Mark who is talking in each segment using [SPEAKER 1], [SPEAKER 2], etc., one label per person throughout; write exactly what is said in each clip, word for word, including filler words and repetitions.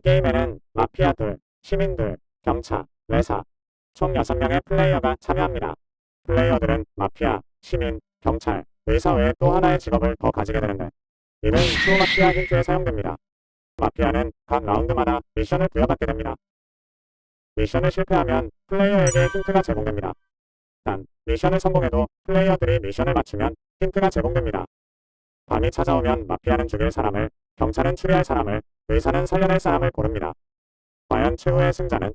[SPEAKER 1] 게임에는 마피아들, 시민들, 경찰, 레사 총 여섯 명의 플레이어가 참여합니다. 플레이어들은 마피아, 시민, 경찰, 의사 외에 또 하나의 직업을 더 가지게 되는데 이는 트루 마피아 힌트에 사용됩니다. 마피아는 각 라운드마다 미션을 부여받게 됩니다. 미션을 실패하면 플레이어에게 힌트가 제공됩니다. 단, 미션을 성공해도 플레이어들이 미션을 맞추면 힌트가 제공됩니다. 밤이 찾아오면 마피아는 죽일 사람을, 경찰은 추리할 사람을, 의사는 살려낼 사람을 고릅니다. 과연 최후의 승자는?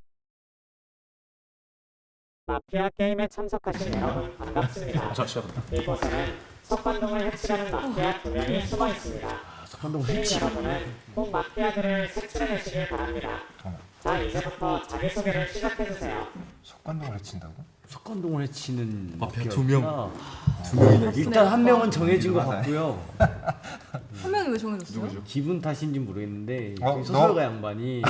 [SPEAKER 1] 마피아 게임에 참석하신 여러분 반갑습니다. 이곳에는 석관동을 해치려는 마피아 두 명이 숨어 있습니다. 시민 여러분은 꼭 마피아들을 색출해내시길 바랍니다. 자, 이제부터 자기소개를 시작해주세요.
[SPEAKER 2] 석관동을 해친다고?
[SPEAKER 3] 석관동을 해치는
[SPEAKER 4] 마피아 두 명.
[SPEAKER 3] 두 명이네. 일단 한 명은 정해진 것 같고요.
[SPEAKER 5] 한 명이 왜 정해졌어요?
[SPEAKER 3] 누구죠? 기분 탓인지 모르겠는데
[SPEAKER 2] 어,
[SPEAKER 3] 저기 소설가
[SPEAKER 2] 너?
[SPEAKER 3] 양반이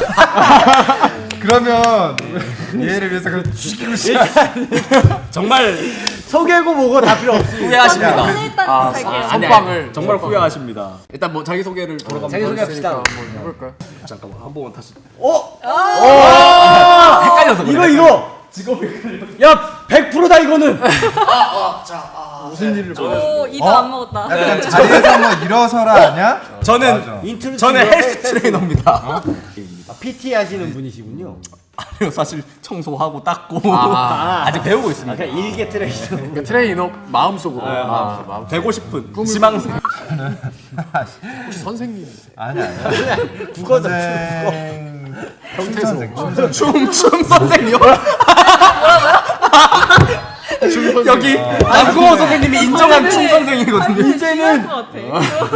[SPEAKER 2] 그러면 얘를 위해서 그걸 죽이고 싶어.
[SPEAKER 3] 정말 소개고 뭐고 다 필요 없이
[SPEAKER 4] 후회하십니다.
[SPEAKER 5] 저는 일단
[SPEAKER 4] 아,
[SPEAKER 5] 갈게요.
[SPEAKER 4] 아, 선빵을 정말 후회하십니다. 일단 뭐 자기 소개를 돌아가면서
[SPEAKER 3] 자기 소개합시다.
[SPEAKER 4] 한번 해볼까요? 잠깐만 한 번만 다시.
[SPEAKER 3] 헷갈려서 그래. 이거 이거 직업이 헷갈려. 야 백 퍼센트다 이거는.
[SPEAKER 4] 무슨 일을
[SPEAKER 5] 오, 이도
[SPEAKER 2] 어?
[SPEAKER 5] 안 먹었다.
[SPEAKER 2] 약간 자리에서 뭐 일어서라 아니야?
[SPEAKER 4] 저는
[SPEAKER 2] 맞아.
[SPEAKER 3] 인트로
[SPEAKER 4] 저는
[SPEAKER 3] 치고
[SPEAKER 4] 헬스 트레이너입니다.
[SPEAKER 3] 아, 피티 하시는 분이시군요.
[SPEAKER 4] 아니요, 사실 청소하고 닦고
[SPEAKER 3] 아.
[SPEAKER 4] 아직 배우고 있습니다.
[SPEAKER 3] 아까 일개 트레이너.
[SPEAKER 6] 그러니까 트레이너 마음속으로
[SPEAKER 4] 아,
[SPEAKER 6] 마음속, 마음속.
[SPEAKER 4] 되고 싶은 지망생.
[SPEAKER 6] 혹시 선생님
[SPEAKER 2] 아니 아니야.
[SPEAKER 3] 국어다.
[SPEAKER 2] 선생. 춤 선생. 춤 선생.
[SPEAKER 4] 춤춤 선생님. 여기
[SPEAKER 3] 아,
[SPEAKER 4] 남궁호 선생님이 인정한 춤 선생이거든요.
[SPEAKER 3] 이제는
[SPEAKER 5] 것 같아.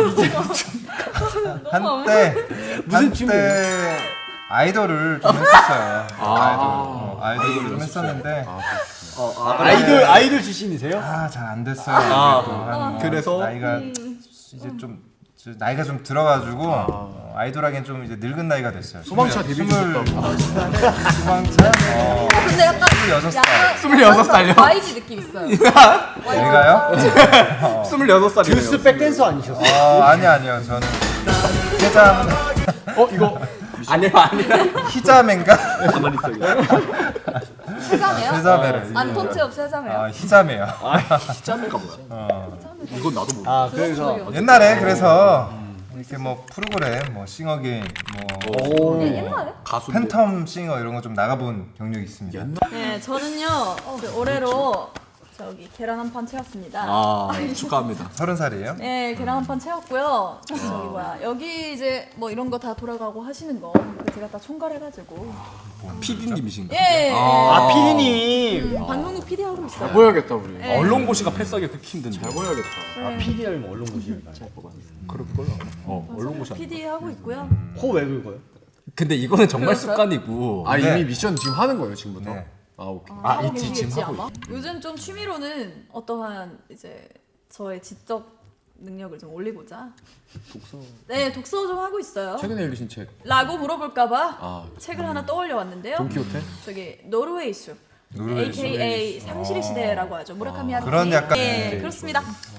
[SPEAKER 2] 한때
[SPEAKER 3] 무슨 춤이에요?
[SPEAKER 2] 한때 아이돌을 좀 했었어요. 아이돌. 어, 아이돌을 좀 했었는데
[SPEAKER 3] 아이돌 아이돌 출신이세요?
[SPEAKER 2] 아 잘 안 됐어요.
[SPEAKER 4] 아,
[SPEAKER 2] 그래도 한 뭐
[SPEAKER 4] 그래서?
[SPEAKER 2] 나이가 이제 좀 저 나이가 좀 들어가지고 어, 아이돌하기엔 좀 이제 늙은 나이가 됐어요.
[SPEAKER 6] 소방차 데뷔
[SPEAKER 2] 스물-
[SPEAKER 6] 주셨다고.
[SPEAKER 2] 소방차? 어,
[SPEAKER 5] 근데 약간
[SPEAKER 2] 스물여섯 살.
[SPEAKER 5] 약간
[SPEAKER 4] 스물여섯 살요?
[SPEAKER 5] 와이지 느낌 있어요.
[SPEAKER 2] 우리가요?
[SPEAKER 4] 스물여섯 살이에요.
[SPEAKER 3] 듀스 백댄서 아니셨어요?
[SPEAKER 2] 어 아니 아니요 저는 세자
[SPEAKER 4] 어 이거 아니요 아니요.
[SPEAKER 2] 히자메인가?
[SPEAKER 4] 가만히 있어.
[SPEAKER 5] 세자매요?
[SPEAKER 2] 세자메를
[SPEAKER 5] 안톤체업 세자매요?
[SPEAKER 2] 아 히자메요.
[SPEAKER 4] 짬매가 뭐야?
[SPEAKER 2] 어.
[SPEAKER 4] 이건 나도 모르.
[SPEAKER 3] 아 그래서
[SPEAKER 2] 옛날에 그래서 이렇게 뭐 프로그램 뭐 싱어게임 뭐
[SPEAKER 5] 네, 옛날에?
[SPEAKER 4] 가수.
[SPEAKER 2] 팬텀 싱어 이런 거 좀 나가본 경력이 있습니다.
[SPEAKER 5] 네, 저는요 그 올해로 저기 계란 한 판 채웠습니다.
[SPEAKER 4] 아 축하합니다.
[SPEAKER 2] 서른 살이에요?
[SPEAKER 5] 네, 계란 한 판 채웠고요. 저기 뭐야 여기 이제 뭐 이런 거 다 돌아가고 하시는 거 제가 다 총괄해가지고
[SPEAKER 4] 피디님이신가?
[SPEAKER 5] 예, 예.
[SPEAKER 3] 아 피디님.
[SPEAKER 5] 음, 방송국 피디 하고 있어요.
[SPEAKER 6] 보여야겠다 우리.
[SPEAKER 5] 네.
[SPEAKER 4] 언론고시가 패스하기 그렇게 힘든데.
[SPEAKER 6] 잘 보여야겠다.
[SPEAKER 5] 네.
[SPEAKER 3] 피디라면 언론고시를
[SPEAKER 4] 그럴 걸로. 어 언론고시.
[SPEAKER 5] 피디 하고 있고요.
[SPEAKER 3] 코왜 긁어요?
[SPEAKER 4] 근데 이거는 정말
[SPEAKER 5] 그랬어요?
[SPEAKER 4] 습관이고.
[SPEAKER 6] 아
[SPEAKER 2] 네.
[SPEAKER 6] 이미 미션 지금 하는 거예요 지금부터?
[SPEAKER 2] 네.
[SPEAKER 6] 아 오케이.
[SPEAKER 5] 아, 하고
[SPEAKER 4] 있지,
[SPEAKER 5] 계시겠지,
[SPEAKER 4] 지금 하고
[SPEAKER 5] 아마? 요즘 좀 취미로는 어떠한 이제 저의 지적 능력을 좀 올리고자
[SPEAKER 4] 독서.
[SPEAKER 5] 네 독서 좀 하고 있어요.
[SPEAKER 6] 최근에 읽으신 책.
[SPEAKER 5] 라고 물어볼까봐
[SPEAKER 6] 아
[SPEAKER 5] 책을 하나 떠올려 왔는데요.
[SPEAKER 6] 돈키호테?
[SPEAKER 5] 저기 노르웨이 숲
[SPEAKER 2] 노르웨이
[SPEAKER 5] 에이케이에이 상실의
[SPEAKER 2] 아.
[SPEAKER 5] 시대라고 하죠. 무라카미 하루키.
[SPEAKER 2] 그런 약간-
[SPEAKER 5] 네,
[SPEAKER 2] 네,
[SPEAKER 5] 그렇습니다.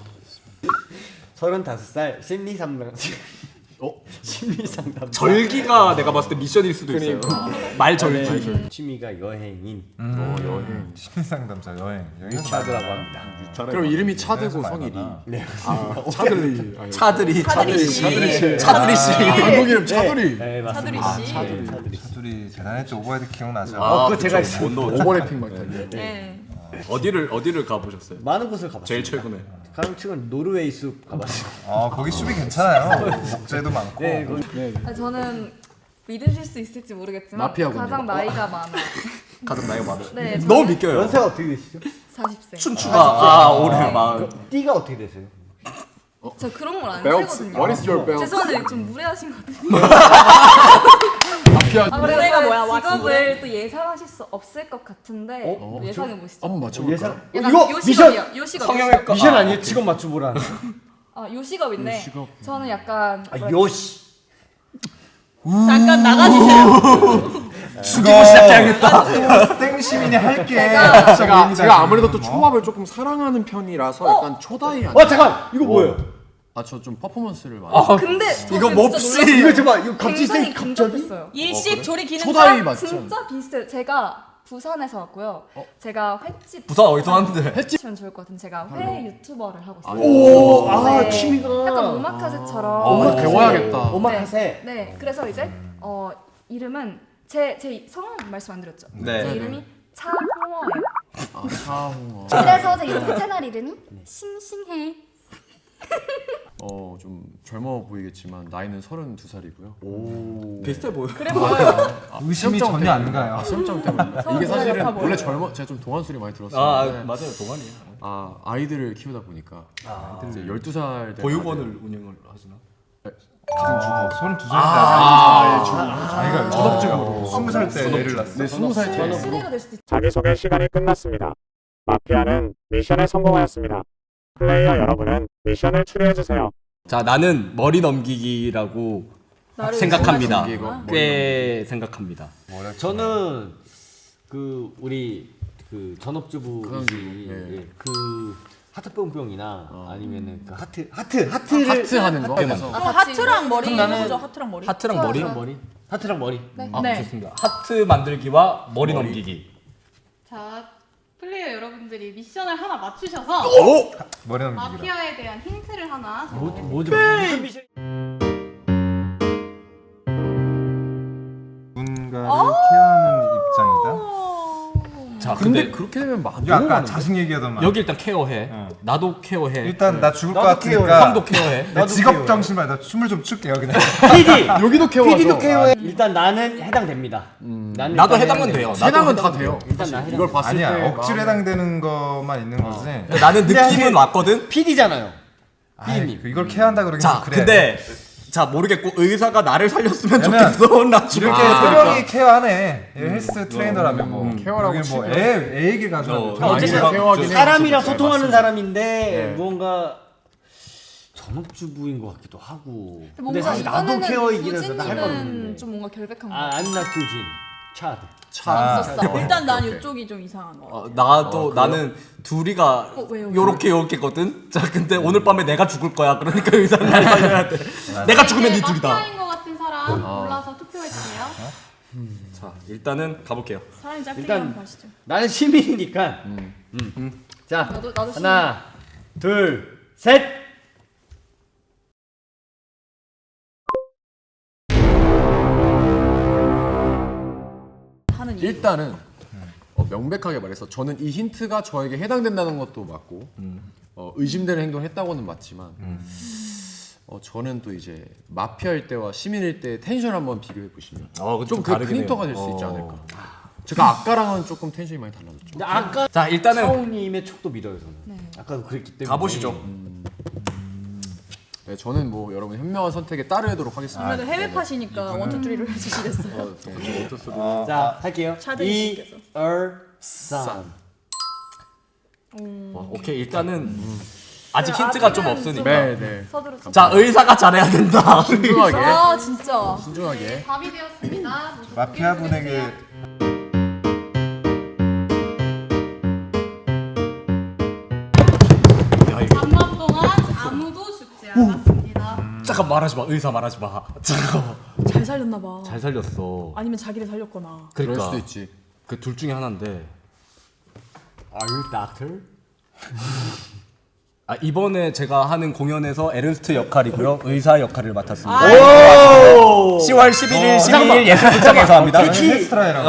[SPEAKER 3] 서른다섯 살 심리 상담.
[SPEAKER 4] 어?
[SPEAKER 3] 심리 상담.
[SPEAKER 4] 절기가 내가 봤을 때 미션일 수도 있어요. 말 절기.
[SPEAKER 3] 네, 취미가 여행인
[SPEAKER 6] 어 여행.
[SPEAKER 2] 심리상담사 여행 여행
[SPEAKER 3] 차드라고 합니다.
[SPEAKER 6] 그럼 이름이 차되고
[SPEAKER 2] 그래서
[SPEAKER 6] 성일이.
[SPEAKER 2] 많이
[SPEAKER 3] 네.
[SPEAKER 6] 아 차들리. 아니,
[SPEAKER 4] 차들이
[SPEAKER 5] 차들이 씨.
[SPEAKER 4] 차들이 씨. 차들이 씨.
[SPEAKER 6] 한국 이름 차들리.
[SPEAKER 3] 네
[SPEAKER 5] 차두리
[SPEAKER 3] 맞습니다.
[SPEAKER 5] 씨.
[SPEAKER 3] 차두리 차두리.
[SPEAKER 2] 둘이 대단했죠. 오버헤드 기억나죠?
[SPEAKER 3] 어, 그거 제가 있어요.
[SPEAKER 6] 오버래핑 막 이렇게.
[SPEAKER 5] 네.
[SPEAKER 4] 어디를 어디를 가보셨어요?
[SPEAKER 3] 많은 곳을 가봤어요.
[SPEAKER 4] 제일 최근에.
[SPEAKER 3] 가장 최근 노르웨이 숲 가봤어요.
[SPEAKER 2] 아 거기 숲이 괜찮아요. 목재도 많고.
[SPEAKER 3] 네, 거기
[SPEAKER 5] 아, 저는 믿으실 수 있을지 모르겠지만
[SPEAKER 6] 마피아군요.
[SPEAKER 5] 가장 나이가 많아.
[SPEAKER 4] 가장 나이가 많아.
[SPEAKER 5] 네,
[SPEAKER 4] 너무
[SPEAKER 5] 저는
[SPEAKER 4] 믿겨요.
[SPEAKER 3] 연세가 어떻게 되시죠?
[SPEAKER 5] 사십 세.
[SPEAKER 4] 춘추가 아 올해 마흔.
[SPEAKER 3] 띠가 어떻게 되세요?
[SPEAKER 5] 저 그런 걸 안
[SPEAKER 6] Belt.
[SPEAKER 5] 세거든요.
[SPEAKER 6] What is your belt?
[SPEAKER 5] 죄송한데 좀 무례하신 것 같아요.
[SPEAKER 6] 마피아.
[SPEAKER 5] 아, 그래서 뭐야, 직업을 또 예상하실 수 없을 것 같은데
[SPEAKER 3] 어?
[SPEAKER 5] 또 예상해 보시죠.
[SPEAKER 6] 한번 맞춰볼까?
[SPEAKER 3] 예상.
[SPEAKER 5] 약간
[SPEAKER 3] 이거
[SPEAKER 5] 요
[SPEAKER 3] 미션
[SPEAKER 5] 직업이요. 요 직업.
[SPEAKER 4] 성형외과.
[SPEAKER 3] 미션 아니에요? 직업 맞춰보라.
[SPEAKER 5] 아, 요 직업인데
[SPEAKER 6] 직업.
[SPEAKER 5] 저는 약간
[SPEAKER 3] 아
[SPEAKER 5] 뭐라-
[SPEAKER 3] 요시.
[SPEAKER 5] 잠깐 나가주세요.
[SPEAKER 4] 죽이고 시작해야겠다.
[SPEAKER 2] 생시민이 할게.
[SPEAKER 5] 제가-
[SPEAKER 6] 제가 제가 아무래도 또 초밥을 조금 사랑하는 편이라서 약간 초다이 아니.
[SPEAKER 3] 어 잠깐 이거 뭐예요?
[SPEAKER 6] 아 저 좀 퍼포먼스를 많이.
[SPEAKER 4] 아,
[SPEAKER 5] 근데
[SPEAKER 4] 이거 몹시
[SPEAKER 3] 이거 잠깐 이거 갑자기
[SPEAKER 5] 굉장히
[SPEAKER 3] 생 갑자기
[SPEAKER 5] 근접했어요. 일식 조리
[SPEAKER 6] 초다이
[SPEAKER 5] 기능사
[SPEAKER 6] 맞죠?
[SPEAKER 5] 진짜 비슷해요. 제가 부산에서 왔고요. 제가 횟집
[SPEAKER 4] 부산 어디서 하는데?
[SPEAKER 5] 해치면 좋을 것 같은 제가 회 유튜버를 하고 있어요.
[SPEAKER 3] 오, 아
[SPEAKER 5] 네.
[SPEAKER 3] 취미가
[SPEAKER 5] 약간 오마카세처럼.
[SPEAKER 6] 어,
[SPEAKER 3] 오마카세.
[SPEAKER 6] 배워야겠다.
[SPEAKER 3] 오마카세.
[SPEAKER 5] 네, 네. 그래서 이제 어 이름은 제 제 성함 말씀 안 드렸죠.
[SPEAKER 4] 네.
[SPEAKER 5] 제 이름이 차홍어예요.
[SPEAKER 6] 아 차홍어.
[SPEAKER 5] 그래서 제 유튜브 채널 이름이 싱싱해.
[SPEAKER 6] 어 좀 젊어 보이겠지만 나이는 서른두 살이고요.
[SPEAKER 4] 비슷해 보여.
[SPEAKER 5] 그래 보여요.
[SPEAKER 2] 의심이
[SPEAKER 6] 시험장
[SPEAKER 2] 전혀 안
[SPEAKER 6] 때문에.
[SPEAKER 2] 가요.
[SPEAKER 6] 아, 시험장 때문에.
[SPEAKER 5] 서른
[SPEAKER 6] 이게
[SPEAKER 5] 살
[SPEAKER 6] 사실은
[SPEAKER 5] 같아 보여요.
[SPEAKER 6] 원래 젊어 제가 좀 동안 소리 많이
[SPEAKER 4] 아,
[SPEAKER 6] 들었었는데
[SPEAKER 4] 맞아요. 동안이야.
[SPEAKER 6] 아 아이들을 키우다 보니까 이제 열두 살 된
[SPEAKER 4] 보육원을 운영을 하시나?
[SPEAKER 2] 어, 서른두 살인데
[SPEAKER 6] 아,
[SPEAKER 2] 자기가 초등학교 스무 살 때 애를 낳았어.
[SPEAKER 6] 네 스무 살 전업으로.
[SPEAKER 5] 시대가 될 수도 있죠.
[SPEAKER 1] 자기소개 시간이 끝났습니다. 마피아는 미션에 성공하였습니다. 플레이어 여러분은 미션을 추리해주세요.
[SPEAKER 4] 자, 나는 머리 넘기기라고
[SPEAKER 5] 나를
[SPEAKER 4] 생각합니다.
[SPEAKER 5] 의심하시는
[SPEAKER 6] 이거
[SPEAKER 5] 거야?
[SPEAKER 4] 꽤 생각합니다.
[SPEAKER 3] 저는 그 우리 그 전업주부
[SPEAKER 6] 가정주부,
[SPEAKER 3] 이-
[SPEAKER 6] 예.
[SPEAKER 3] 예, 그 하트 뿅뿅이나 아니면은 그 하트 하트 하트를
[SPEAKER 6] 하트 하는 거.
[SPEAKER 4] 하트만.
[SPEAKER 6] 그래서
[SPEAKER 5] 아, 하트랑 머리
[SPEAKER 3] 그럼 나는-
[SPEAKER 5] 해보죠. 하트랑 머리.
[SPEAKER 4] 하트랑
[SPEAKER 5] 좋아요,
[SPEAKER 4] 머리?
[SPEAKER 5] 좋아요.
[SPEAKER 3] 머리 하트랑 머리.
[SPEAKER 5] 네.
[SPEAKER 4] 아,
[SPEAKER 5] 네.
[SPEAKER 4] 좋습니다. 하트 만들기와 머리, 넘기기.
[SPEAKER 7] 자, 플레이어 여러분들이 미션을 하나 맞추셔서
[SPEAKER 2] 머리 넘기기라.
[SPEAKER 7] 마피아에 대한 힌트를 하나
[SPEAKER 3] 뭐
[SPEAKER 7] 적어주세요.
[SPEAKER 3] 뭐죠? 무슨 미션?
[SPEAKER 2] 누군가를 케어하는 입장이다.
[SPEAKER 4] 자,
[SPEAKER 6] 근데
[SPEAKER 4] 근데,
[SPEAKER 6] 그렇게 되면 막
[SPEAKER 2] 이거
[SPEAKER 6] 너무
[SPEAKER 2] 아까
[SPEAKER 6] 많은데?
[SPEAKER 2] 자식 얘기하던 말.
[SPEAKER 4] 여기 일단 케어해.
[SPEAKER 2] 어.
[SPEAKER 4] 나도 케어해.
[SPEAKER 2] 일단 나 죽을 것
[SPEAKER 3] 나도
[SPEAKER 2] 같으니까
[SPEAKER 4] 형도 케어해.
[SPEAKER 2] 내
[SPEAKER 3] 나도
[SPEAKER 2] 직업
[SPEAKER 3] 케어해.
[SPEAKER 2] 정신 말나 춤을 좀 출게요 그냥.
[SPEAKER 3] 피디
[SPEAKER 6] 여기도 케어하죠.
[SPEAKER 3] 피디도 케어해. 일단 나는 해당됩니다. 나는
[SPEAKER 4] 나도
[SPEAKER 3] 일단
[SPEAKER 4] 해당은
[SPEAKER 3] 해당돼.
[SPEAKER 4] 돼요.
[SPEAKER 6] 세 명은
[SPEAKER 4] 나도
[SPEAKER 6] 다 돼요.
[SPEAKER 3] 일단 나 해당.
[SPEAKER 6] 이걸 봤을 때
[SPEAKER 2] 아니야 억지로
[SPEAKER 6] 마음에-
[SPEAKER 2] 해당되는 것만 있는 거지.
[SPEAKER 4] 근데 나는
[SPEAKER 3] 근데
[SPEAKER 4] 느낌은
[SPEAKER 3] 사실-
[SPEAKER 4] 왔거든.
[SPEAKER 3] 피디잖아요.
[SPEAKER 2] 아이, 그 이걸 케어한다 그러긴
[SPEAKER 4] 자,
[SPEAKER 2] 좀 그래.
[SPEAKER 4] 근데 자 모르겠고 의사가 나를 살렸으면
[SPEAKER 2] 왜냐면
[SPEAKER 4] 좋겠어. 나 죽을
[SPEAKER 2] 이렇게
[SPEAKER 4] 게
[SPEAKER 2] 세
[SPEAKER 4] 있으니까.
[SPEAKER 2] 명이 케어하네. 얘 헬스 트레이너라면 뭐
[SPEAKER 6] 음, 케어라고
[SPEAKER 2] 여기 뭐
[SPEAKER 6] 치면.
[SPEAKER 2] 애, 애 얘기 가지고
[SPEAKER 4] 어,
[SPEAKER 2] 어,
[SPEAKER 6] 어쨌든
[SPEAKER 4] 아니면
[SPEAKER 6] 케어하긴 해요.
[SPEAKER 3] 사람이랑
[SPEAKER 6] 진짜.
[SPEAKER 3] 소통하는
[SPEAKER 6] 맞습니다.
[SPEAKER 3] 사람인데
[SPEAKER 6] 네.
[SPEAKER 3] 무언가 전업주부인 것 같기도 하고.
[SPEAKER 5] 근데
[SPEAKER 3] 근데
[SPEAKER 5] 뭔가
[SPEAKER 3] 사실 나도
[SPEAKER 5] 이번에는
[SPEAKER 3] 케어이긴 해서 나할
[SPEAKER 5] 두진님은
[SPEAKER 3] 뻔했는데.
[SPEAKER 5] 좀 뭔가 결백한 거
[SPEAKER 3] 아,
[SPEAKER 5] 같아.
[SPEAKER 3] I'm not 두진. 차드.
[SPEAKER 6] 차.
[SPEAKER 5] 있었어. 일단 난
[SPEAKER 6] 오케이.
[SPEAKER 5] 이쪽이 좀 이상한 거.
[SPEAKER 4] 어, 나도 나는 둘이가
[SPEAKER 5] 어, 왜요?
[SPEAKER 4] 요렇게 요렇게거든. 자, 근데 오늘 밤에 내가 죽을 거야. 그러니까 의사는 날 살려야 돼. 내가 죽으면 이 둘이다.
[SPEAKER 7] 마피아인 것 같은 사람 골라서 투표해주세요.
[SPEAKER 4] 자, 일단은 가볼게요.
[SPEAKER 5] 사람이 짧게
[SPEAKER 3] 일단-
[SPEAKER 5] 일단 가시죠.
[SPEAKER 3] 나는 시민이니까. 음. 자,
[SPEAKER 5] 나도 나도
[SPEAKER 3] 하나, 둘, 셋.
[SPEAKER 5] 하는 이유.
[SPEAKER 6] 일단은 어, 명백하게 말해서 저는 이 힌트가 저에게 해당된다는 것도 맞고 어, 의심되는 행동을 했다고는 맞지만 어, 저는 또 이제 마피아일 때와 시민일 때 텐션 한번 비교해 보시면
[SPEAKER 4] 어, 그건
[SPEAKER 6] 좀
[SPEAKER 4] 좀
[SPEAKER 6] 그
[SPEAKER 4] 다르긴
[SPEAKER 6] 핀터가 될 수
[SPEAKER 4] 해요.
[SPEAKER 6] 있지
[SPEAKER 4] 어.
[SPEAKER 6] 않을까. 제가 아까랑은 조금 텐션이 많이 달라졌죠.
[SPEAKER 3] 근데 아까
[SPEAKER 4] 자, 일단은
[SPEAKER 3] 차홍님의 촉도 믿어요 저는.
[SPEAKER 5] 네.
[SPEAKER 3] 아까도 그랬기 때문에.
[SPEAKER 4] 가보시죠.
[SPEAKER 6] 네, 저는 뭐 여러분 현명한 선택에 따르도록 하겠습니다.
[SPEAKER 5] 아무래도 해외 팟이니까 원투쓰리로 해주시겠어요.
[SPEAKER 6] 어, 네, 저-
[SPEAKER 3] 자, 할게요.
[SPEAKER 5] 차대
[SPEAKER 3] 이,
[SPEAKER 5] 씨께서.
[SPEAKER 3] 얼, 산.
[SPEAKER 4] 어, 오케이 일단은 아직 힌트가 좀
[SPEAKER 5] 아직은
[SPEAKER 4] 없으니까.
[SPEAKER 6] 네, 네.
[SPEAKER 5] 서두르.
[SPEAKER 4] 자, 의사가 잘해야 된다.
[SPEAKER 6] 신중하게,
[SPEAKER 5] 아 진짜.
[SPEAKER 6] 신중하게.
[SPEAKER 7] 답이 되었습니다. 모두
[SPEAKER 2] 마피아
[SPEAKER 7] 투표해
[SPEAKER 2] 분에게
[SPEAKER 7] 주세요. 잠깐 동안 아무도 죽지 않았습니다.
[SPEAKER 4] 잠깐 말하지 마. 의사 말하지 마. 잠깐.
[SPEAKER 5] 잘 살렸나 봐.
[SPEAKER 4] 잘 살렸어.
[SPEAKER 5] 아니면 자기를 살렸거나.
[SPEAKER 6] 그럴
[SPEAKER 4] 그러니까
[SPEAKER 6] 수도 있지.
[SPEAKER 4] 그 둘 중에 하나인데.
[SPEAKER 3] Are you doctor?
[SPEAKER 4] 아, 이번에 제가 하는 공연에서 에르스트 역할이고요. 의사 역할을 맡았습니다. 시월 십일일, 십이일 예술극장에서 합니다.
[SPEAKER 2] 헬스트라이라고.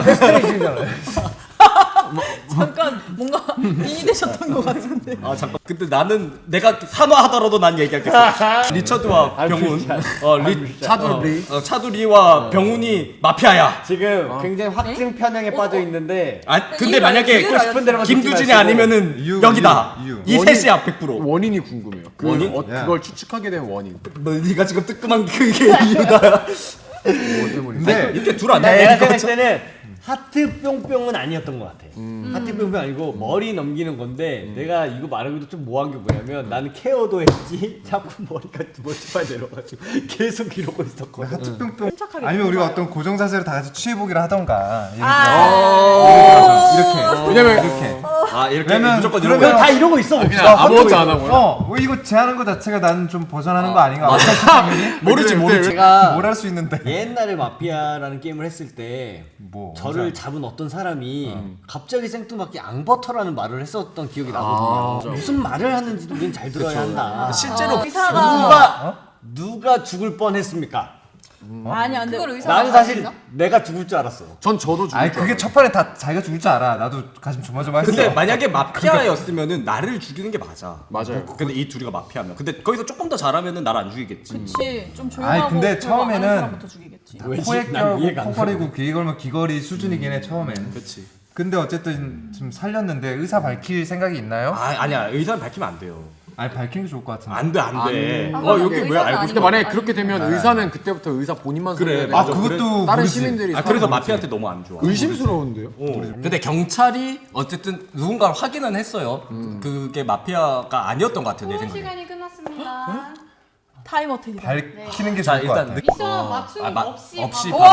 [SPEAKER 5] 잠깐 뭔가 빙이 되셨던 것 같은데.
[SPEAKER 4] 아 잠깐. 근데 나는 내가 산화하더라도 난 얘기하겠어. 리처드와 병훈, 어, 리 차두리, 어, 차두리와 병훈이 마피아야.
[SPEAKER 3] 지금 굉장히 확증 편향에 빠져 있는데.
[SPEAKER 4] 아 근데
[SPEAKER 5] 이유를
[SPEAKER 4] 만약에
[SPEAKER 5] 이유를
[SPEAKER 3] 싶은 대로만
[SPEAKER 4] 김두진이
[SPEAKER 3] 듣지 마시고.
[SPEAKER 4] 아니면은
[SPEAKER 2] 이유,
[SPEAKER 4] 여기다.
[SPEAKER 2] 이유, 이유.
[SPEAKER 4] 이 셋이야 백 퍼센트.
[SPEAKER 6] 원인이 궁금해요. 그
[SPEAKER 4] 원인?
[SPEAKER 6] 어,
[SPEAKER 2] 야.
[SPEAKER 6] 그걸 추측하게 된 원인.
[SPEAKER 4] 너 네가 지금 뜨끔한 그게 이유다.
[SPEAKER 6] 뭐 때문에?
[SPEAKER 2] 근데
[SPEAKER 4] 이렇게 둘 아니야?
[SPEAKER 3] 내가
[SPEAKER 4] 이거
[SPEAKER 3] 생각할 때는 하트 뿅뿅은 아니었던 것 같아. 하트 뿅뿅 아니고 머리 넘기는 건데 내가 이거 말하기도 좀 뭐한 게 뭐냐면 나는 케어도 했지 자꾸 머리가 두 번째 내려가지고 계속 이러고 있었거든.
[SPEAKER 2] 하트뿅뿅
[SPEAKER 5] 침착하게
[SPEAKER 2] 아니면 우리가
[SPEAKER 5] 들어봐요.
[SPEAKER 2] 어떤 고정 자세를 다 같이 취해보기를 하던가. 예를 들어.
[SPEAKER 5] 아.
[SPEAKER 2] 이렇게.
[SPEAKER 6] 왜냐면
[SPEAKER 2] 이렇게.
[SPEAKER 4] 아 이렇게
[SPEAKER 2] 왜냐면
[SPEAKER 4] 무조건
[SPEAKER 2] 그러면
[SPEAKER 4] 이러면
[SPEAKER 3] 다 이러고 있어.
[SPEAKER 6] 그냥 아무것도 안 하고요.
[SPEAKER 2] 어, 뭐 이거 제하는 거 자체가 나는 좀 벗어나는 거 아닌가? 맞아.
[SPEAKER 4] 모르지 모르지.
[SPEAKER 3] 제가
[SPEAKER 2] 뭘 할 수 있는데.
[SPEAKER 3] 옛날에 마피아라는 게임을 했을 때
[SPEAKER 2] 뭐
[SPEAKER 3] 저를 잡은 어떤 사람이 갑자기 생뚱맞게 앙버터라는 말을 했었던 기억이 나거든요. 무슨 말을 하는지도 우린 잘 들어야 한다.
[SPEAKER 4] 실제로
[SPEAKER 5] 의사가
[SPEAKER 3] 누가 누가 죽을 뻔했습니까?
[SPEAKER 5] 아니야 근데
[SPEAKER 7] 그걸 의사가
[SPEAKER 3] 나는 사실
[SPEAKER 7] 아닌가?
[SPEAKER 3] 내가 죽을 줄 알았어.
[SPEAKER 6] 전 저도 죽을
[SPEAKER 2] 아니
[SPEAKER 6] 줄
[SPEAKER 2] 그게 첫 판에 다 자기가 죽을 줄 알아. 나도 가슴 조마조마했어.
[SPEAKER 4] 근데 만약에 마피아였으면은 나를 죽이는 게 맞아.
[SPEAKER 6] 맞아요.
[SPEAKER 4] 근데 이 둘이가 마피아면. 근데 거기서 조금 더 잘하면은 나를 안 죽이겠지.
[SPEAKER 5] 그치 좀 조용하고
[SPEAKER 2] 아니, 근데
[SPEAKER 5] 별거 안 하는
[SPEAKER 2] 처음에는
[SPEAKER 5] 사람부터 죽이겠지.
[SPEAKER 3] 왜지?
[SPEAKER 2] 코에
[SPEAKER 3] 난 이해가
[SPEAKER 2] 껴고
[SPEAKER 3] 안
[SPEAKER 2] 코 걸이고 귀 걸면 귀걸이 수준이긴 해 처음엔.
[SPEAKER 4] 그렇지.
[SPEAKER 2] 근데 어쨌든 좀 살렸는데 의사 밝힐 생각이 있나요?
[SPEAKER 4] 아 아니야 의사는 밝히면 안 돼요.
[SPEAKER 2] 아니 밝히는 게 좋을 것 같은데.
[SPEAKER 4] 안 돼 안 돼.
[SPEAKER 7] 아,
[SPEAKER 4] 어
[SPEAKER 7] 그럼
[SPEAKER 4] 여기 왜
[SPEAKER 7] 의사는
[SPEAKER 4] 알고
[SPEAKER 7] 아닌
[SPEAKER 4] 싶어?
[SPEAKER 6] 근데 만약에
[SPEAKER 7] 아니,
[SPEAKER 6] 그렇게 되면
[SPEAKER 2] 아니.
[SPEAKER 6] 의사는 그때부터 의사 본인만
[SPEAKER 4] 그래,
[SPEAKER 6] 선택해야
[SPEAKER 2] 아
[SPEAKER 6] 되죠.
[SPEAKER 2] 그것도
[SPEAKER 6] 다른
[SPEAKER 2] 모르지.
[SPEAKER 6] 시민들이
[SPEAKER 4] 아 그래서
[SPEAKER 6] 사람
[SPEAKER 4] 마피아한테 너무 안 좋아.
[SPEAKER 6] 의심스러운데요?
[SPEAKER 4] 어. 근데 경찰이 어쨌든 누군가를 확인은 했어요. 그게 마피아가 아니었던 것 같아요 내
[SPEAKER 7] 수업
[SPEAKER 4] 생각에.
[SPEAKER 7] 시간이 끝났습니다.
[SPEAKER 5] 타임 어택이다.
[SPEAKER 2] 밝히는 게
[SPEAKER 4] 자
[SPEAKER 2] 좋을 것
[SPEAKER 4] 일단
[SPEAKER 2] 같아.
[SPEAKER 7] 미션 맞춤
[SPEAKER 4] 아, 마-
[SPEAKER 7] 없이
[SPEAKER 4] 없이
[SPEAKER 7] 바로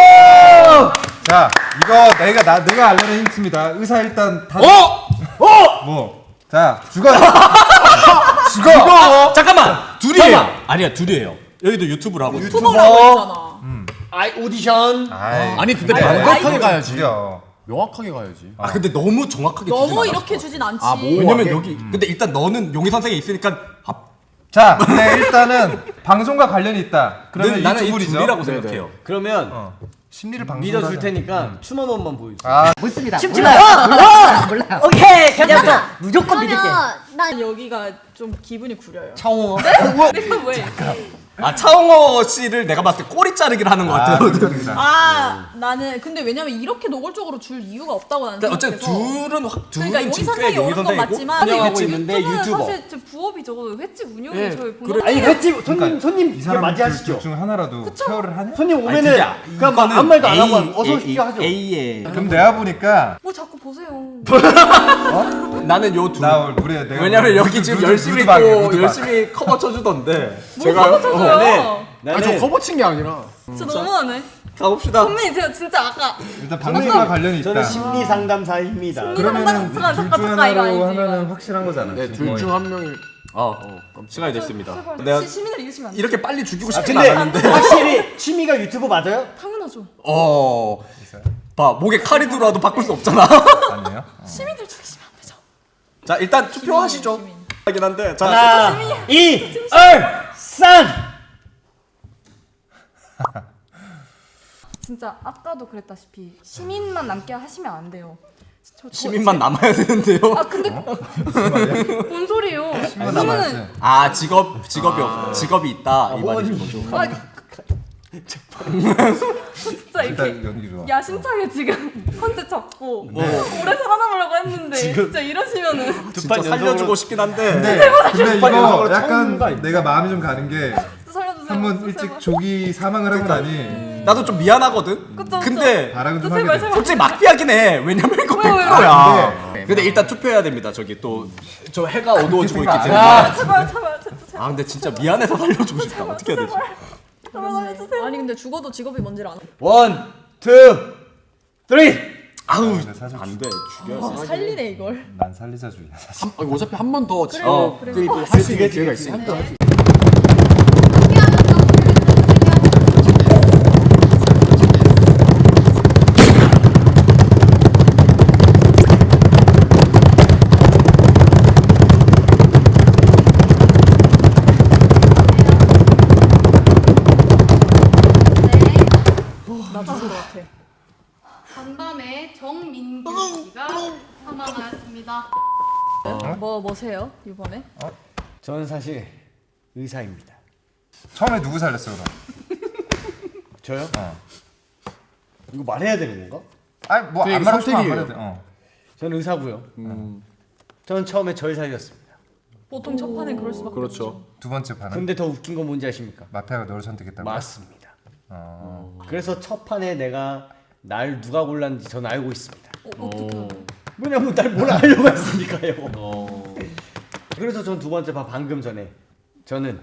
[SPEAKER 2] 자 이거 내가 나 내가 알려는 힌트입니다. 의사 일단 다.
[SPEAKER 4] 어?
[SPEAKER 2] 뭐? 자 죽어.
[SPEAKER 4] 죽어! 잠깐만 둘이에요. 아니야 둘이에요. 여기도 유튜브를 하고 있어.
[SPEAKER 5] 투버라고 했잖아.
[SPEAKER 3] 아이 오디션.
[SPEAKER 2] 아이,
[SPEAKER 6] 아니 근데
[SPEAKER 5] 아니,
[SPEAKER 6] 명확하게
[SPEAKER 5] 아니,
[SPEAKER 6] 가야지.
[SPEAKER 2] 죽여.
[SPEAKER 6] 명확하게 가야지.
[SPEAKER 4] 아 근데 너무 정확하게 주진
[SPEAKER 5] 너무
[SPEAKER 4] 않았어.
[SPEAKER 5] 이렇게 주진 않지.
[SPEAKER 6] 아, 뭐.
[SPEAKER 4] 왜냐면
[SPEAKER 6] 오,
[SPEAKER 4] 여기 근데 일단 너는 용의 선생이 있으니까 아,
[SPEAKER 2] 자, 근데 일단은 방송과 관련이 있다. 그러면
[SPEAKER 4] 는-
[SPEAKER 2] 이
[SPEAKER 4] 나는 이
[SPEAKER 2] 두분이죠.
[SPEAKER 4] 둘이라고
[SPEAKER 6] 네네.
[SPEAKER 4] 생각해요.
[SPEAKER 3] 그러면
[SPEAKER 2] 어. 심리를 방송.
[SPEAKER 3] 믿어줄 테니까 춤 한 번만 보여주세요.
[SPEAKER 2] 아,
[SPEAKER 8] 묻습니다. 몰라요. 몰라요. 몰라요.
[SPEAKER 3] 오케이 괜찮다. 무조건 믿을게.
[SPEAKER 8] 그러면 난
[SPEAKER 5] 여기가 좀 기분이 구려요.
[SPEAKER 3] 차홍어.
[SPEAKER 5] 내가 왜?
[SPEAKER 4] 아 차홍어 씨를 내가 봤을 때 꼬리 자르기를 하는 것
[SPEAKER 2] 아,
[SPEAKER 4] 같아요.
[SPEAKER 2] 깜짝이야.
[SPEAKER 5] 아 나는 근데 왜냐면 이렇게 노골적으로 줄 이유가 없다고 나는
[SPEAKER 4] 그러니까 어쨌든
[SPEAKER 5] 생각해서.
[SPEAKER 4] 둘은 확 둘은
[SPEAKER 5] 그러니까 용의
[SPEAKER 4] 지금 꽤
[SPEAKER 5] 선생이
[SPEAKER 4] 용의
[SPEAKER 5] 오는 건
[SPEAKER 4] 선생이고
[SPEAKER 5] 맞지만
[SPEAKER 3] 운영하고
[SPEAKER 5] 근데
[SPEAKER 3] 있는데
[SPEAKER 5] 유튜브는
[SPEAKER 3] 유튜버.
[SPEAKER 5] 사실 제 부업이죠. 횟집 운영이
[SPEAKER 4] 예,
[SPEAKER 5] 저희
[SPEAKER 4] 그래.
[SPEAKER 5] 본업.
[SPEAKER 3] 아니 횟집 손님
[SPEAKER 2] 그러니까
[SPEAKER 3] 손님
[SPEAKER 2] 이
[SPEAKER 3] 이렇게
[SPEAKER 2] 사람
[SPEAKER 3] 맞이하시죠.
[SPEAKER 2] 둘 중 하나라도 케어를 하냐?
[SPEAKER 3] 손님
[SPEAKER 4] 아니,
[SPEAKER 3] 오면은
[SPEAKER 4] 진짜
[SPEAKER 3] 그냥 막 아무 말도 안 하고 어서 오십시오 하죠.
[SPEAKER 4] A에
[SPEAKER 2] 그럼 내가 보니까
[SPEAKER 5] 뭐 자꾸 보세요.
[SPEAKER 4] 나는 요 둘.
[SPEAKER 2] 나 우리 내가
[SPEAKER 4] 왜냐면
[SPEAKER 2] 루드-
[SPEAKER 4] 여기 지금
[SPEAKER 2] 루드-
[SPEAKER 4] 열심히
[SPEAKER 2] 루드박이야,
[SPEAKER 4] 또
[SPEAKER 2] 루드박.
[SPEAKER 4] 열심히 커버 쳐주던데.
[SPEAKER 5] 제가요? 쳐줘요.
[SPEAKER 3] 네.
[SPEAKER 6] 아니 저 커버 친 게 아니라.
[SPEAKER 5] 진짜 너무하네.
[SPEAKER 4] 가봅시다.
[SPEAKER 5] 선배님 제가 진짜 아까
[SPEAKER 2] 일단 방송과 관련이 있다.
[SPEAKER 3] 저는 심리 상담사입니다.
[SPEAKER 2] 그러면은
[SPEAKER 5] 잠깐,
[SPEAKER 2] 둘
[SPEAKER 5] 잠깐,
[SPEAKER 2] 중
[SPEAKER 5] 잠깐, 이거
[SPEAKER 2] 하나로
[SPEAKER 5] 아니지,
[SPEAKER 2] 하면은
[SPEAKER 5] 이거.
[SPEAKER 2] 확실한 거잖아.
[SPEAKER 6] 네,
[SPEAKER 2] 지금
[SPEAKER 6] 둘
[SPEAKER 2] 거의.
[SPEAKER 6] 중 한 명이
[SPEAKER 4] 어, 시간이 됐습니다.
[SPEAKER 5] 제발
[SPEAKER 4] 내가
[SPEAKER 5] 시- 시민을 이기시면 안 돼.
[SPEAKER 4] 이렇게 빨리 죽이고
[SPEAKER 3] 아,
[SPEAKER 4] 싶진
[SPEAKER 3] 근데
[SPEAKER 4] 않았는데.
[SPEAKER 3] 확실히 취미가 유튜브 맞아요?
[SPEAKER 5] 당연하죠.
[SPEAKER 4] 어. 봐 목에 칼이 들어와도 바꿀 수 없잖아.
[SPEAKER 2] 아니에요?
[SPEAKER 5] 시민들 죽이시면 안 되죠.
[SPEAKER 4] 자 일단 투표하시죠. 하긴 한데 자
[SPEAKER 3] 하나, 이, 을, 산.
[SPEAKER 7] 진짜 아까도 그랬다시피 시민만 남게 하시면 안 돼요. 저- 저-
[SPEAKER 4] 시민만 남아야 되는데요.
[SPEAKER 7] 아 근데 뭔 소리예요?
[SPEAKER 2] 신문 남아야지.
[SPEAKER 4] 아 직업 직업이 없 직업이 있다 이 말이죠.
[SPEAKER 5] 아, 진짜 이렇게
[SPEAKER 2] 일단 연기 좋아.
[SPEAKER 5] 야심차게 지금 컨셉 잡고
[SPEAKER 4] 뭐
[SPEAKER 5] 오래 살아남으려고 했는데 진짜 이러시면은
[SPEAKER 4] 진짜 살려주고 싶긴 한데.
[SPEAKER 2] 근데, 근데 이거
[SPEAKER 3] 연속으로
[SPEAKER 2] 약간
[SPEAKER 3] 처음인가 있네.
[SPEAKER 2] 내가 마음이 좀 가는 게
[SPEAKER 5] 살려주세요.
[SPEAKER 2] 한 번
[SPEAKER 5] 진짜
[SPEAKER 2] 일찍
[SPEAKER 5] 제발.
[SPEAKER 2] 조기 사망을 하고 나니
[SPEAKER 4] 나도 좀 미안하거든.
[SPEAKER 5] 그쵸,
[SPEAKER 4] 근데
[SPEAKER 2] 발악은 좀
[SPEAKER 5] 진짜
[SPEAKER 2] 하게
[SPEAKER 5] 제발
[SPEAKER 2] 돼.
[SPEAKER 5] 제발.
[SPEAKER 4] 솔직히 막피하긴 해. 왜냐면 이거
[SPEAKER 5] 왜, 왜, 왜?
[SPEAKER 4] 백퍼야. 근데 일단 투표해야 됩니다. 저기 또 저 해가 어두워지고 있기 때문에.
[SPEAKER 5] 아, 제발 제발 제발 제발
[SPEAKER 4] 아 근데 진짜 미안해서 살려주고 싶다. 어떻게 해야 되지?
[SPEAKER 5] 제발 살려주세요. 아니 근데 죽어도 직업이 뭔지를 안.
[SPEAKER 3] 원, 투, 쓰리.
[SPEAKER 4] 아우
[SPEAKER 2] 근데 사실
[SPEAKER 4] 안돼 죽여.
[SPEAKER 5] 아, 살리네 이걸.
[SPEAKER 2] 난 살리자주의야 사실.
[SPEAKER 6] 아니, 어차피 한 번 더
[SPEAKER 4] 어,
[SPEAKER 5] 그래.
[SPEAKER 6] 할 수 있는 기회가 있으니까.
[SPEAKER 5] 나 죽은 것 같아.
[SPEAKER 7] 간밤에 정민규 씨가 사망하였습니다.
[SPEAKER 5] 뭐 뭐세요 이번에?
[SPEAKER 3] 저는 사실 의사입니다.
[SPEAKER 2] 처음에 누구 살렸어 그럼?
[SPEAKER 3] 저요?
[SPEAKER 2] 어.
[SPEAKER 3] 이거 말해야 되는 건가?
[SPEAKER 2] 아니 뭐안
[SPEAKER 6] 되게
[SPEAKER 2] 말하고 싶으면 안
[SPEAKER 6] 선택이에요.
[SPEAKER 2] 말해도 돼. 어.
[SPEAKER 3] 저는 의사고요.
[SPEAKER 6] 음,
[SPEAKER 3] 저는 처음에 절 살렸습니다.
[SPEAKER 5] 보통 첫 판엔 그럴 수밖에
[SPEAKER 6] 그렇죠.
[SPEAKER 2] 두 번째 판은
[SPEAKER 3] 근데 더 웃긴 건 뭔지 아십니까?
[SPEAKER 2] 마피아가 너를 선택했다고.
[SPEAKER 3] 맞습니다.
[SPEAKER 2] 어.
[SPEAKER 3] 그래서 첫 판에 내가 날 누가 골랐는지 저는 알고 있습니다.
[SPEAKER 5] 어, 어떡해.
[SPEAKER 3] 왜냐면 날 뭘 알려고 했으니까요. 그래서 전 두 번째 봐 방금 전에 저는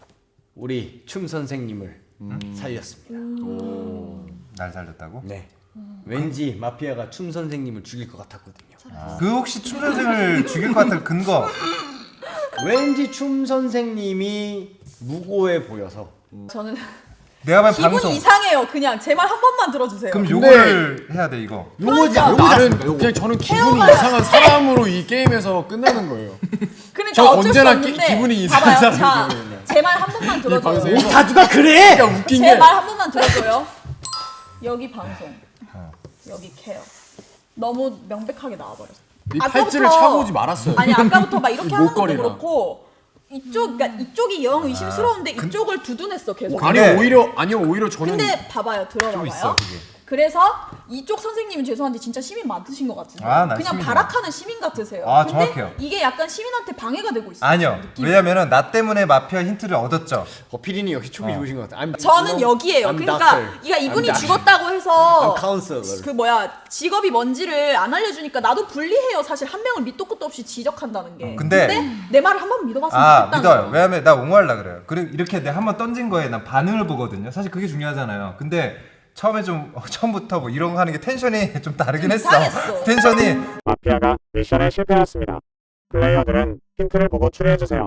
[SPEAKER 3] 우리 춤 선생님을 살렸습니다.
[SPEAKER 2] 날 살렸다고?
[SPEAKER 3] 네. 왠지 마피아가 춤 선생님을 죽일 것 같았거든요.
[SPEAKER 2] 그 혹시 춤 선생을 죽일 것 같은 근거?
[SPEAKER 3] 왠지 춤 선생님이 무고해 보여서.
[SPEAKER 5] 저는
[SPEAKER 2] 내가 봐도
[SPEAKER 5] 기분이
[SPEAKER 2] 방송.
[SPEAKER 5] 이상해요. 그냥 제 말 한 번만 들어주세요.
[SPEAKER 2] 그럼
[SPEAKER 6] 근데-
[SPEAKER 2] 요거를 해야 돼 이거.
[SPEAKER 3] 요거지
[SPEAKER 5] 그러니까.
[SPEAKER 3] 요거지
[SPEAKER 6] 나는
[SPEAKER 3] 않습니까? 요거.
[SPEAKER 6] 그냥 저는 기분이 이상한 사람으로 이 게임에서 끝나는 거예요.
[SPEAKER 5] 그러니까
[SPEAKER 6] 저
[SPEAKER 5] 어쩔
[SPEAKER 6] 언제나
[SPEAKER 5] 수
[SPEAKER 6] 기-
[SPEAKER 5] 없는데
[SPEAKER 6] 기분이 이상한
[SPEAKER 5] 봐봐요.
[SPEAKER 6] 사람이에요,
[SPEAKER 5] 자, 제 말 한 번만 들어줘요.
[SPEAKER 6] 방송에서.
[SPEAKER 3] 다 누가 그래?
[SPEAKER 6] 그러니까 웃긴
[SPEAKER 5] 제
[SPEAKER 6] 게
[SPEAKER 5] 말 한 번만 들어줘요. 여기 방송, 여기 케어. 너무 명백하게 나와버렸어.
[SPEAKER 6] 이 팔찌를 차고 오지 말았어요.
[SPEAKER 5] 아니 아까부터 막 이렇게
[SPEAKER 6] 이
[SPEAKER 5] 하는 것도
[SPEAKER 6] 목걸이랑.
[SPEAKER 5] 그렇고 이쪽, 그러니까 이쪽이 영 의심스러운데 이쪽을 두둔했어 계속.
[SPEAKER 6] 아니요
[SPEAKER 2] 근데-
[SPEAKER 6] 오히려 아니요 오히려 저는
[SPEAKER 5] 근데 봐봐요, 들어봐봐요.
[SPEAKER 2] 있어, 그게.
[SPEAKER 5] 그래서 이쪽 선생님은 죄송한데 진짜 시민 맞으신 것 같은데
[SPEAKER 2] 아, 난
[SPEAKER 5] 그냥
[SPEAKER 2] 시민이야.
[SPEAKER 5] 발악하는 시민 같으세요.
[SPEAKER 2] 아,
[SPEAKER 5] 근데
[SPEAKER 2] 정확해요.
[SPEAKER 5] 이게 약간 시민한테 방해가 되고 있어요.
[SPEAKER 2] 아니요.
[SPEAKER 5] 느낌이.
[SPEAKER 2] 왜냐면은 나 때문에 마피아 힌트를 얻었죠.
[SPEAKER 3] 어, 피디님 역시 촉이 좋으신 것 같아. I'm-
[SPEAKER 5] 저는
[SPEAKER 3] I'm
[SPEAKER 5] 여기에요.
[SPEAKER 3] I'm
[SPEAKER 5] 그러니까
[SPEAKER 3] doctor.
[SPEAKER 5] 이가 이분이
[SPEAKER 3] I'm
[SPEAKER 5] 죽었다고 해서
[SPEAKER 3] I'm counselor.
[SPEAKER 5] 그 뭐야 직업이 뭔지를 안 알려주니까 나도 불리해요. 사실 한 명을 밑도 끝도 없이 지적한다는 게.
[SPEAKER 2] 근데-
[SPEAKER 5] 내 말을 한 번 믿어봤으면
[SPEAKER 2] 아
[SPEAKER 5] 좋겠다는
[SPEAKER 2] 믿어요.
[SPEAKER 5] 거예요.
[SPEAKER 2] 왜냐면 나 옹호하려 그래요. 그리고 이렇게 내가 한번 던진 거에 난 반응을 보거든요. 사실 그게 중요하잖아요. 근데 처음에 좀 어, 처음부터 뭐 이런 거 하는 게 텐션이 좀 다르긴 했어.
[SPEAKER 5] 이상했어.
[SPEAKER 2] 텐션이
[SPEAKER 1] 마피아가 미션에 실패하였습니다. 플레이어들은 힌트를 보고 추리해주세요.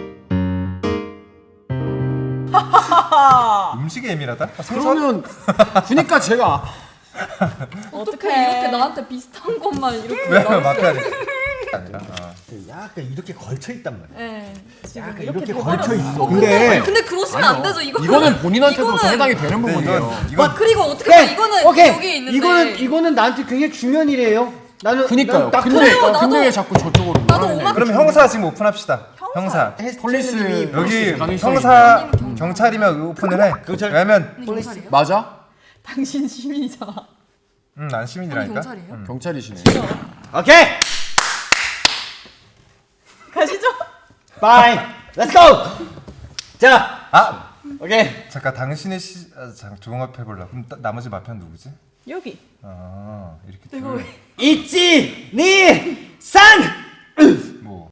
[SPEAKER 2] 음식에 예민하다. 아, 생선?
[SPEAKER 6] 그러면 그니까 제가
[SPEAKER 5] 어떻게
[SPEAKER 7] 이렇게 나한테 비슷한 것만 이렇게
[SPEAKER 2] 왜 마피아니? 아니라. 어.
[SPEAKER 3] 약간 이렇게 걸쳐 있단 말이야.
[SPEAKER 5] 네, 지금
[SPEAKER 3] 약간
[SPEAKER 5] 이렇게
[SPEAKER 3] 이렇게
[SPEAKER 5] 돼버렸어.
[SPEAKER 3] 걸쳐 있어.
[SPEAKER 7] 어, 근데 근데 그러시면 안 되죠. 이거
[SPEAKER 6] 이거는 본인한테도 더
[SPEAKER 7] 이거는-
[SPEAKER 6] 해당이 되는
[SPEAKER 2] 근데
[SPEAKER 6] 부분이에요.
[SPEAKER 2] 이건 이건
[SPEAKER 7] 와 그리고 어떻게 보면 이거는
[SPEAKER 3] 오케이.
[SPEAKER 7] 여기 있는데
[SPEAKER 3] 이거는 이거는 나한테 굉장히 중요한 일이에요. 나는
[SPEAKER 6] 그니까요.
[SPEAKER 3] 난
[SPEAKER 6] 근데
[SPEAKER 3] 닥터예요.
[SPEAKER 7] 나도-
[SPEAKER 6] 근데 왜 자꾸 저쪽으로
[SPEAKER 7] 나도
[SPEAKER 6] 몰아내냐.
[SPEAKER 7] 오만-
[SPEAKER 2] 그럼 형사 지금 오픈합시다.
[SPEAKER 5] 형사.
[SPEAKER 2] 형사.
[SPEAKER 6] 폴리스
[SPEAKER 2] 여기
[SPEAKER 6] 가능성이
[SPEAKER 2] 형사 경찰이면 오픈을 해.
[SPEAKER 3] 경찰.
[SPEAKER 2] 왜냐면
[SPEAKER 7] 경찰이에요?
[SPEAKER 6] 맞아?
[SPEAKER 5] 당신 시민이잖아.
[SPEAKER 2] 음, 난 시민이라니까.
[SPEAKER 7] 경찰이에요?
[SPEAKER 2] 음.
[SPEAKER 6] 경찰이시네.
[SPEAKER 3] 오케이.
[SPEAKER 5] 가시죠.
[SPEAKER 3] 바이. 렛츠 고. 자.
[SPEAKER 2] 아
[SPEAKER 3] 오케이.
[SPEAKER 2] 잠깐 당신의 시 아, 잠깐 종합해 볼라. 그럼 따- 나머지 마피아 누구지?
[SPEAKER 5] 여기.
[SPEAKER 2] 아 이렇게
[SPEAKER 5] 이거
[SPEAKER 2] 둘.
[SPEAKER 5] 왜?
[SPEAKER 3] 있지 니 산.
[SPEAKER 2] 뭐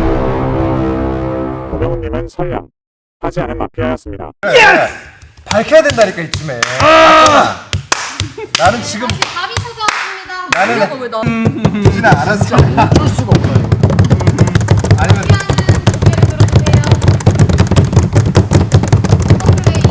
[SPEAKER 1] 고병훈님은 설령 하지 않은 마피아였습니다.
[SPEAKER 2] 그래, 그래. 밝혀야 된다니까 이쯤에. 맞잖아. 나는 지금
[SPEAKER 7] 답이 찾아왔습니다.
[SPEAKER 2] 나는
[SPEAKER 5] 이거 왜 나?
[SPEAKER 2] 진아 알았어.
[SPEAKER 6] 어쩔 수가 없다 이거.
[SPEAKER 2] 아니면
[SPEAKER 7] 고개를 들어주세요. 컴플레인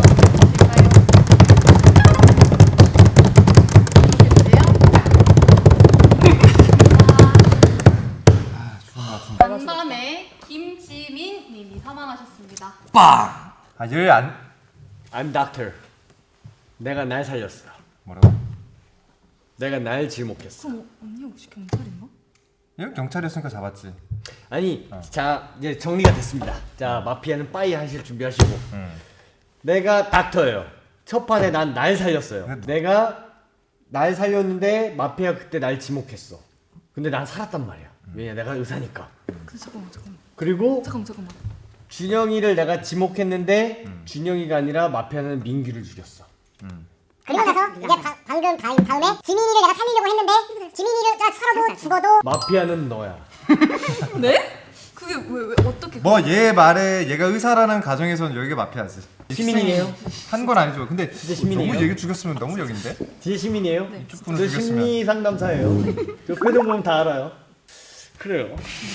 [SPEAKER 7] 간밤에 김지민 님이 사망하셨습니다.
[SPEAKER 3] 빵.
[SPEAKER 2] 아열안
[SPEAKER 3] I'm doctor. 내가 날 살렸어.
[SPEAKER 2] 뭐라고?
[SPEAKER 3] 내가 날 지목했어.
[SPEAKER 7] 그럼 언니 혹시 경찰인가?
[SPEAKER 2] 얘 경찰이었으니까 잡았지.
[SPEAKER 3] 아니, 자 이제 정리가 됐습니다. 자 마피아는 빠이 하실 준비하시고.
[SPEAKER 2] 음.
[SPEAKER 3] 내가 닥터예요. 첫 판에 난 날 살렸어요.
[SPEAKER 2] 근데-
[SPEAKER 3] 내가 날 살렸는데 마피아 그때 날 지목했어. 근데 난 살았단 말이야. 왜냐 내가 의사니까.
[SPEAKER 7] 근데 잠깐만 잠깐만
[SPEAKER 3] 그리고
[SPEAKER 7] 잠깐만 잠깐만.
[SPEAKER 3] 준영이를 내가 지목했는데 준영이가 아니라 마피아는 민규를 죽였어.
[SPEAKER 8] 그리고 나서 이제 바, 방금 다, 다음에 지민이를 내가 살리려고 했는데 지민이를 나 살아도 죽어도
[SPEAKER 3] 마피아는 너야.
[SPEAKER 7] 네? 그게 왜 왜 어떻게?
[SPEAKER 2] 뭐 얘 말에 얘가 의사라는 가정에서는 여기가 마피아지.
[SPEAKER 3] 시민이에요?
[SPEAKER 2] 한 건 아니죠. 근데
[SPEAKER 3] 시민이에요?
[SPEAKER 2] 너무 얘기 죽였으면 너무 역인데.
[SPEAKER 3] 진짜 시민이에요?
[SPEAKER 2] 이쪽
[SPEAKER 3] 저
[SPEAKER 2] 분을 죽였으면.
[SPEAKER 3] 심리 상담사예요. 저 표정 보면 다 알아요. 그래요.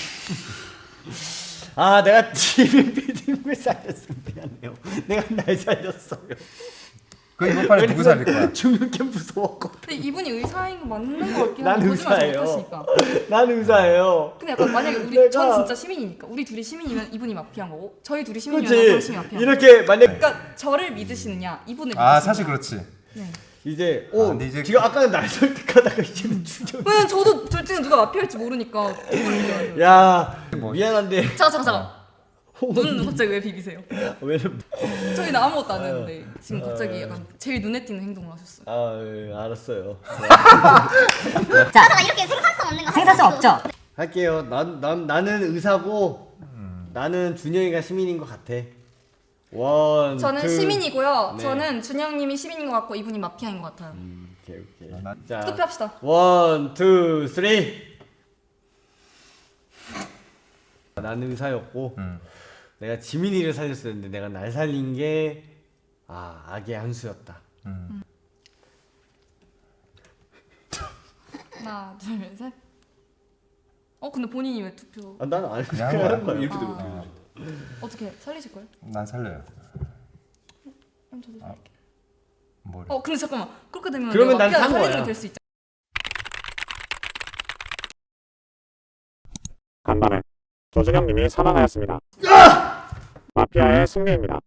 [SPEAKER 3] 아 내가 지민 피디님을 살렸어. 미안해요. 내가 날 살렸어요.
[SPEAKER 2] 그 이번 판에 누구 살릴 거야?
[SPEAKER 3] 죽는 게 무서웠거든.
[SPEAKER 7] 근데 이분이 의사인 거 맞는 거 같긴
[SPEAKER 3] 난
[SPEAKER 7] 한데 거짓말 잘
[SPEAKER 3] 의사예요.
[SPEAKER 7] 못하시니까.
[SPEAKER 3] 난 의사예요.
[SPEAKER 7] 근데 약간 만약에 우리
[SPEAKER 3] 내가-
[SPEAKER 7] 전 진짜 시민이니까 우리 둘이 시민이면 이분이 마피아인 거고 저희 둘이 시민이면
[SPEAKER 3] 그렇지.
[SPEAKER 7] 당신이 마피아.
[SPEAKER 3] 이렇게 만약
[SPEAKER 7] 그러니까 저를 믿으시느냐 이분을 믿으시느냐.
[SPEAKER 2] 아 사실 그렇지.
[SPEAKER 7] 네.
[SPEAKER 3] 이제
[SPEAKER 2] 아,
[SPEAKER 3] 어
[SPEAKER 2] 근데 이제
[SPEAKER 3] 지금 아까는 날 설득하다가 이제는 주정.
[SPEAKER 7] 왜냐면 저도 둘 중에 누가 마피아일지 모르니까.
[SPEAKER 3] 야
[SPEAKER 2] 뭐.
[SPEAKER 3] 미안한데
[SPEAKER 7] 잠깐 잠깐 잠깐. 눈 갑자기 왜 비비세요?
[SPEAKER 3] 왜냐면
[SPEAKER 7] 저희는 아무것도 안 했는데 지금 갑자기 약간 제일 눈에 띄는 행동을 하셨어요.
[SPEAKER 3] 아 예, 알았어요.
[SPEAKER 8] 자 이렇게 생산성 없는 거 생산성 없죠.
[SPEAKER 3] 할게요. 난, 난 나는 의사고 나는 준영이가 시민인 것 같아. 원.
[SPEAKER 7] 저는
[SPEAKER 3] 투.
[SPEAKER 7] 시민이고요.
[SPEAKER 3] 네.
[SPEAKER 7] 저는 준영님이 시민인 것 같고 이분이 마피아인 것 같아요.
[SPEAKER 3] 음, 오케이 오케이.
[SPEAKER 2] 나-
[SPEAKER 3] 자
[SPEAKER 7] 투표합시다.
[SPEAKER 3] 원, 투, 쓰리. 나는 의사였고
[SPEAKER 2] 음.
[SPEAKER 3] 내가 지민이를 살렸었는데 내가 날 살린 게 아, 악의 한 수였다.
[SPEAKER 2] 음.
[SPEAKER 7] 하나, 둘, 셋. 어 근데 본인이 왜 투표?
[SPEAKER 3] 아, 나는 안
[SPEAKER 2] 그냥
[SPEAKER 3] 그냥
[SPEAKER 2] 한
[SPEAKER 3] 하는 거야.
[SPEAKER 2] 거야.
[SPEAKER 3] 이렇게 되면
[SPEAKER 7] 아. 어떻게 살리실 거예요?
[SPEAKER 2] 난 살려요.
[SPEAKER 7] 그럼 저도 살릴게.
[SPEAKER 2] 뭘?
[SPEAKER 7] 어 근데 잠깐만 그렇게 되면
[SPEAKER 3] 그러면
[SPEAKER 7] 내가
[SPEAKER 3] 난 산
[SPEAKER 7] 마피아
[SPEAKER 3] 거야.
[SPEAKER 7] 살리면 될 수 있잖아.
[SPEAKER 1] 간밤에 조준영 님이 사망하였습니다. 마피아의 승리입니다.